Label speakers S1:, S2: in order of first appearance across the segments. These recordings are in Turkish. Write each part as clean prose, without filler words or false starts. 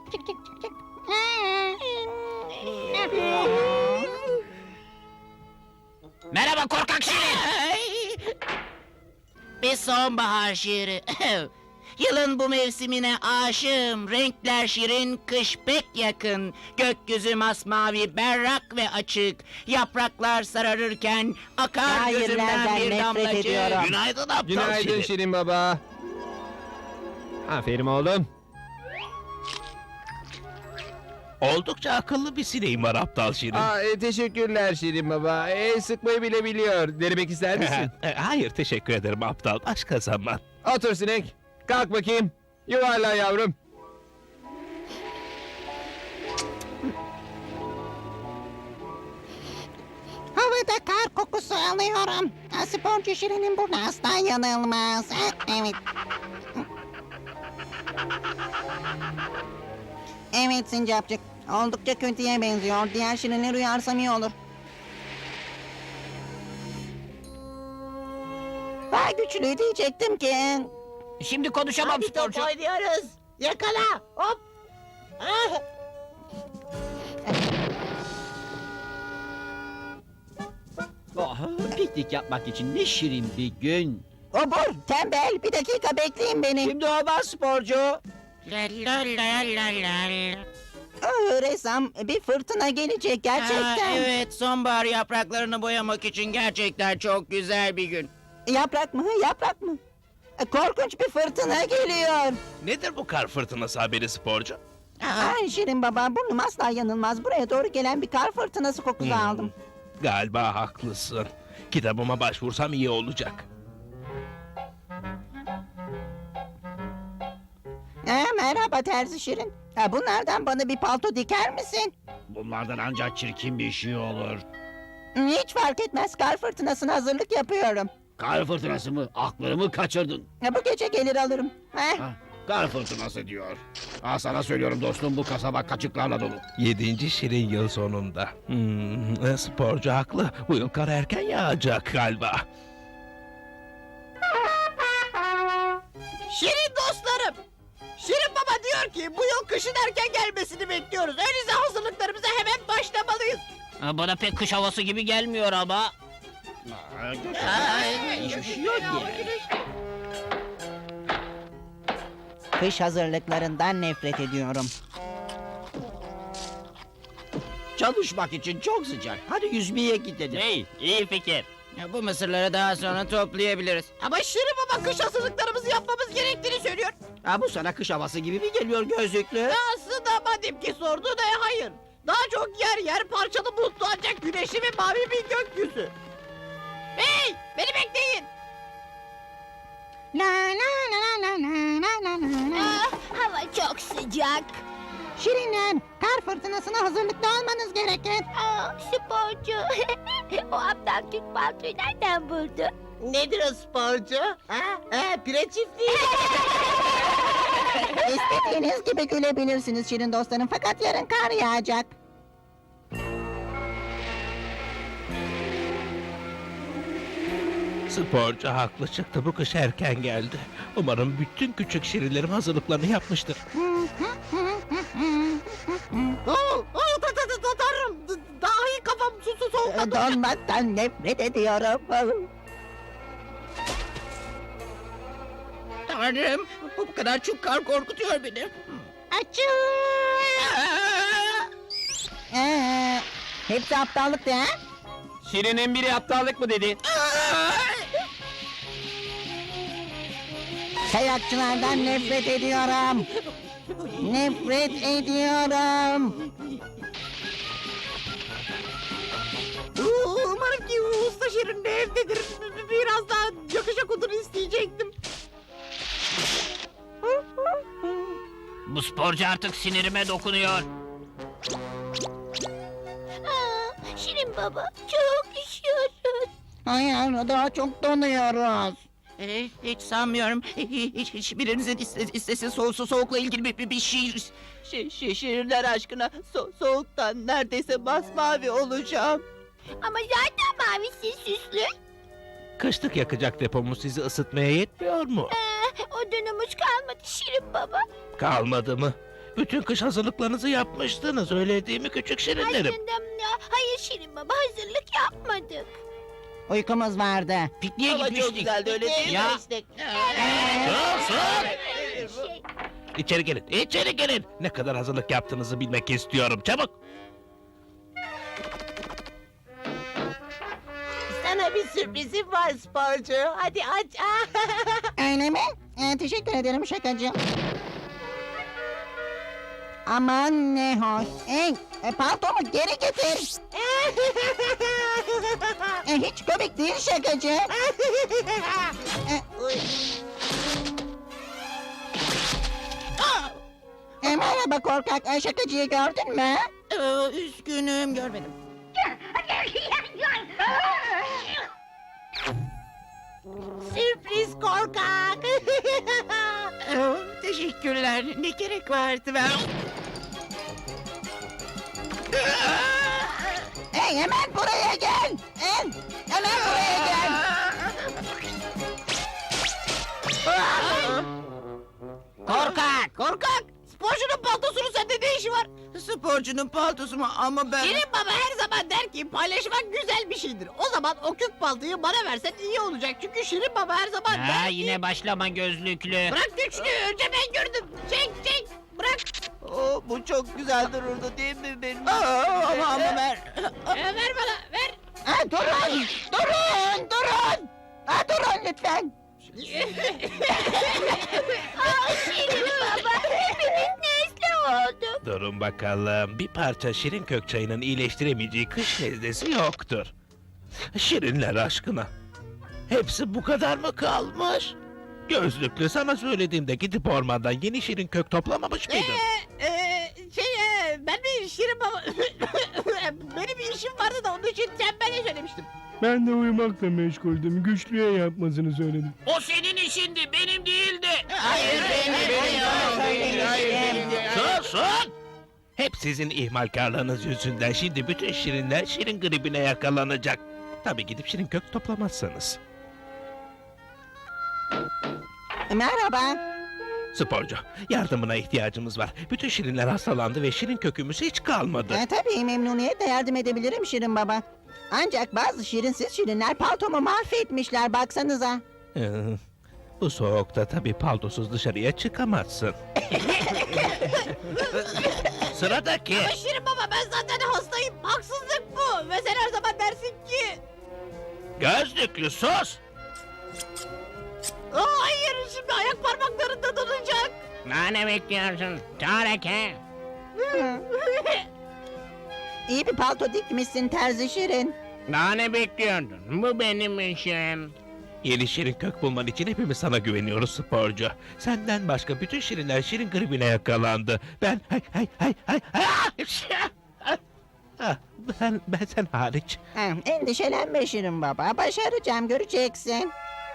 S1: çık çık çık çık.
S2: Merhaba korkak şirin. Bir sonbahar şiiri. Yılın bu mevsimine aşığım. Renkler şirin, kış pek yakın. Gökyüzü masmavi, berrak ve açık. Yapraklar sararırken akar gözümden
S1: Şairlerden
S2: bir
S1: nefret
S2: damlacık.
S1: ediyorum.
S3: Günaydın aptal
S4: Günaydın
S3: Şirin.
S4: Şirin Baba. Aferin oğlum.
S3: Oldukça akıllı bir sineğim var aptal Şirin.
S4: Teşekkürler Şirin Baba. Sıkmayı bile biliyor. Denemek ister misin?
S3: Hayır teşekkür ederim aptal. Başka zaman.
S4: Otur sinek. Kalk bakayım. Yuvarla yavrum.
S1: Havada kar kokusu alıyorum. Sporcu Şirin'in burnu asla yanılmaz. Evet. Evet Sincapcık. Oldukça kötüye benziyor. Diğer Şirin'i uyarsam iyi olur. Daha güçlü diyecektim ki.
S2: Şimdi konuşamam sporcu.
S1: oynuyoruz. Yakala. Hop.
S5: Piknik yapmak için ne şirin bir gün.
S1: Obur, tembel. Bir dakika bekleyin beni.
S5: Şimdi olmaz sporcu.
S2: La la la la la.
S1: Ressam, bir fırtına gelecek gerçekten.
S2: Evet, sonbahar yapraklarını boyamak için gerçekten çok güzel bir gün.
S1: Yaprak mı? Yaprak mı? Korkunç bir fırtına geliyor.
S3: Nedir bu kar fırtınası haberi sporcu?
S1: Ay Şirin baba, burnum asla yanılmaz. Buraya doğru gelen bir kar fırtınası kokusu aldım.
S3: Galiba haklısın. Kitabıma başvursam iyi olacak.
S1: Merhaba Terzi Şirin. Bunlardan bana bir palto diker misin?
S5: Bunlardan ancak çirkin bir şey olur.
S1: Hiç fark etmez. Kar fırtınasına hazırlık yapıyorum.
S5: Kar fırtınası mı? Aklımı kaçırdın.
S1: Bu gece gelir alırım.
S5: Ha, kar fırtınası diyor. Sana söylüyorum dostum, bu kasaba kaçıklarla dolu.
S3: 7. Şirin yıl sonunda. Sporcu haklı. Bu yıl kar erken yağacak galiba.
S6: Şirin dostlarım. Şirin Baba diyor ki bu yıl kışın erken gelmesini bekliyoruz. Öyleyse hazırlıklarımıza hemen başlamalıyız.
S2: Bana pek kış havası gibi gelmiyor ama.
S5: Hiçbir şey yok yani.
S1: Kış hazırlıklarından nefret ediyorum.
S5: Çalışmak için çok sıcak. Hadi yüzmeye gidelim.
S2: Hey, iyi fikir. Bu mısırları daha sonra toplayabiliriz.
S6: Ama Şirin Baba kış hazırlıklarımızı yapmamız gerektiğini söylüyor.
S5: Bu sana kış havası gibi mi geliyor gözlüklü?
S6: Aslında madem ki sordu da hayır. Daha çok yer yer parçalı bulutlu ancak güneşli ve mavi bir gökyüzü. Hey beni bekleyin.
S1: La la la la la la la la.
S7: Hava çok sıcak.
S1: Şirinler, kar fırtınasına hazırlıklı olmanız gerekir.
S7: Sporcu. O aptal Türk paltoyu nereden buldu?
S6: Nedir o sporcu? Pire çiftliği.
S1: İstediğiniz gibi gülebilirsiniz Şirin dostlarım. Fakat yarın kar yağacak.
S3: Sporcu haklı çıktı. Bu kış erken geldi. Umarım bütün küçük şirinlerim hazırlıklarını yapmıştır.
S6: Tanrım. Dahi kafam soğukta.
S1: Donmaktan nefret ediyorum.
S2: Tanrım, bu kadar çok kar korkutuyor beni.
S1: Hepsi aptallık değil mi?
S4: Şirin'in biri aptallık mı dedi?
S1: Kayakçılardan nefret ediyorum. Nefret ediyorum.
S6: Umarım ki usta Şirin de evdedir. Biraz daha yakışak odunu isteyecektim.
S2: Bu sporcu artık sinirime dokunuyor.
S7: Şirin baba çok üşüyoruz.
S1: Hayır, daha çok donuyoruz.
S2: Hiç sanmıyorum. Hiçbirinizin istesi soğukla ilgili bir şiir.
S6: Şirinler aşkına soğuktan neredeyse masmavi olacağım.
S7: Ama zaten mavisi süslü.
S3: Kışlık yakacak depomuz sizi ısıtmaya yetmiyor mu?
S7: Odunumuz kalmadı Şirin baba.
S3: Kalmadı mı? Bütün kış hazırlıklarınızı yapmıştınız, öyle değil mi küçük şirinlerim?
S7: Hayır Şirin Baba, hazırlık yapmadık.
S1: Uykumuz vardı.
S2: Pikniğe
S6: Ama çok
S2: gitmiştik.
S6: güzeldi öyle değil mi?
S2: Ya.
S6: İşte.
S3: Sus!
S7: Şey,
S3: İçeri gelin, içeri gelin. Ne kadar hazırlık yaptığınızı bilmek istiyorum, çabuk.
S6: Sana bir sürprizim var sporcu. Hadi aç.
S1: Öyle mi? Teşekkür ederim şakacı. Aman ne hoş. Paltomu geri getir. Hiç komik değil şakacı. Merhaba korkak. Şakacıyı gördün mü?
S6: Üzgünüm görmedim. Sürpriz korkak.
S2: Teşekkürler. Ne gerek vardı ben?
S1: Hemen buraya gel. Hemen buraya gel.
S2: Korkak.
S6: Korkak. Sporcunun paltosunun sende ne işi var?
S2: Sporcunun paltosu mu? Ama ben...
S6: Şirin baba her zaman der ki paylaşmak güzel bir şeydir. O zaman o kök paltoyu bana versen iyi olacak. Çünkü Şirin baba her zaman der ki...
S2: yine başlama gözlüklü.
S6: Bırak güçlü. Önce ben gördüm. Çek. Bırak.
S2: Bu çok güzel dururdu değil mi benim? Ama ver.
S6: Ver bana ver.
S1: Durun. Durun lütfen.
S7: Şirin Baba, hepimiz nezle olduk.
S3: Durun bakalım, bir parça şirin kök çayının iyileştiremeyeceği kış nezlesi yoktur. Şirinler aşkına. Hepsi bu kadar mı kalmış? Gözlüklü, sana söylediğimde gidip ormandan yeni şirin kök toplamamış mıydın?
S6: Ben bir Şirin baba... Benim bir işim vardı da onun için tembele söylemiştim.
S4: Ben de uyumakla meşguldüm. Güçlüye yapmasını söyledim.
S2: O senin işindi, benim değildi.
S6: Hayır,
S3: Susun! Hep sizin ihmalkarlığınız yüzünden şimdi bütün şirinler şirin gribine yakalanacak. Tabii gidip şirin kök toplamazsanız.
S1: Merhaba.
S3: Sporcu, yardımına ihtiyacımız var. Bütün şirinler hastalandı ve şirin kökümüz hiç kalmadı.
S1: Tabii memnuniyetle yardım edebilirim Şirin Baba. Ancak bazı şirinsiz şirinler paltomu mahvetmişler baksanıza.
S3: Bu soğukta tabii paltosuz dışarıya çıkamazsın. Sıradaki.
S6: Ama Şirin baba ben zaten hastayım. Haksızlık bu. Ve sen her zaman dersin ki...
S3: Gözlüklü sus!
S6: Hayır şimdi ayak parmaklarında donacak.
S2: Ne bekliyorsun? Tareke.
S1: İyi bir palto dikmişsin terzi Şirin.
S2: Daha ne bekliyordun? Bu benim işim.
S3: Yeni şirin kök bulman için hepimiz sana güveniyoruz sporcu. Senden başka bütün şirinler şirin gribine yakalandı. Ben ben sen hariç.
S1: Endişelenme Şirin Baba. Başaracağım göreceksin.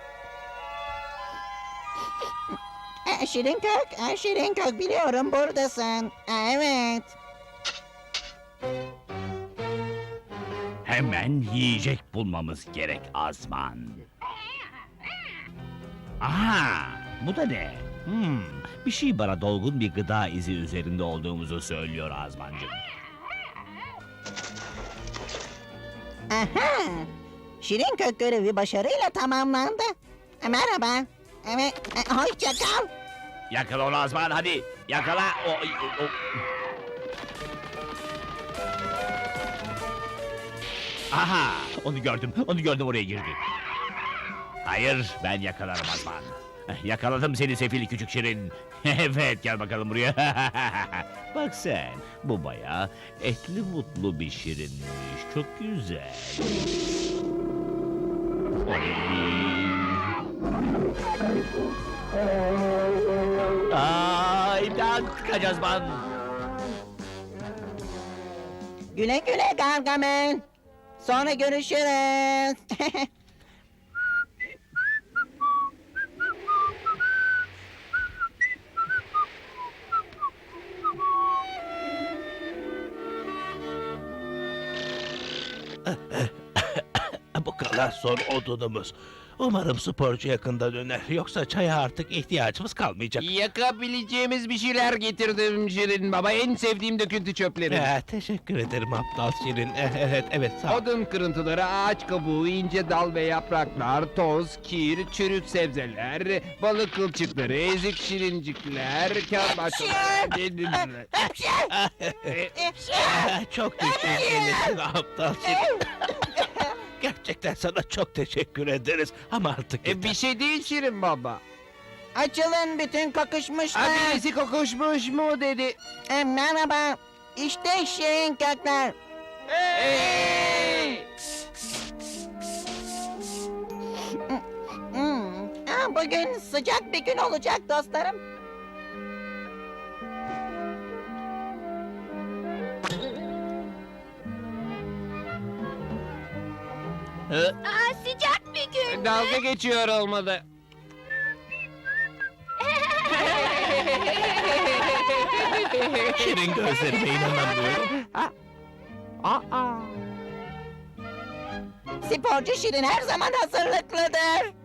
S1: Şirin kök biliyorum buradasın. Evet.
S5: Hemen yiyecek bulmamız gerek Azman. Aha, bu da ne? Bir şey bana dolgun bir gıda izi üzerinde olduğumuzu söylüyor Azmancığım.
S1: Aha. Şirin kök görevi başarıyla tamamlandı. Merhaba. Evet, hoşça kal.
S5: Yakala onu Azman, hadi yakala. Aha, onu gördüm oraya girdi. Hayır, ben yakalarım Azman. Yakaladım seni sefil küçük şirin. Evet, gel bakalım buraya. Bak sen, bu bayağı etli mutlu bir şirinmiş. Çok güzel. İmdat, kaç Azman.
S1: Güle güle Gargamel. Sonra görüşürüz.
S3: Bu kadar son odunumuz. Umarım sporcu yakında döner. Yoksa çaya artık ihtiyacımız kalmayacak.
S4: Yakabileceğimiz bir şeyler getirdim Şirin Baba. En sevdiğim döküntü çöpleri.
S3: Teşekkür ederim aptal Şirin. Evet sağ ol.
S4: Odun kırıntıları, ağaç kabuğu, ince dal ve yapraklar, toz, kir, çürük sebzeler, balık kılçıkları, ezik şirincikler, kağıt parçaları...
S3: Çok teşekkür aptal Şirin. Gerçekten sana çok teşekkür ederiz. Ama artık yeter.
S4: Bir şey değil Şirin Baba.
S1: Açılın bütün kokuşmuşlar.
S4: Birisi kokuşmuş mu dedi.
S1: Merhaba. İşte şirin kökler.
S4: Hey!
S1: Bugün sıcak bir gün olacak dostlarım.
S7: Aa, sıcak bir gün.
S4: Dalga geçiyor olmalı.
S3: Şirin gözlerime inanamıyorum.
S1: Sporcu Şirin her zaman hazırlıklıdır.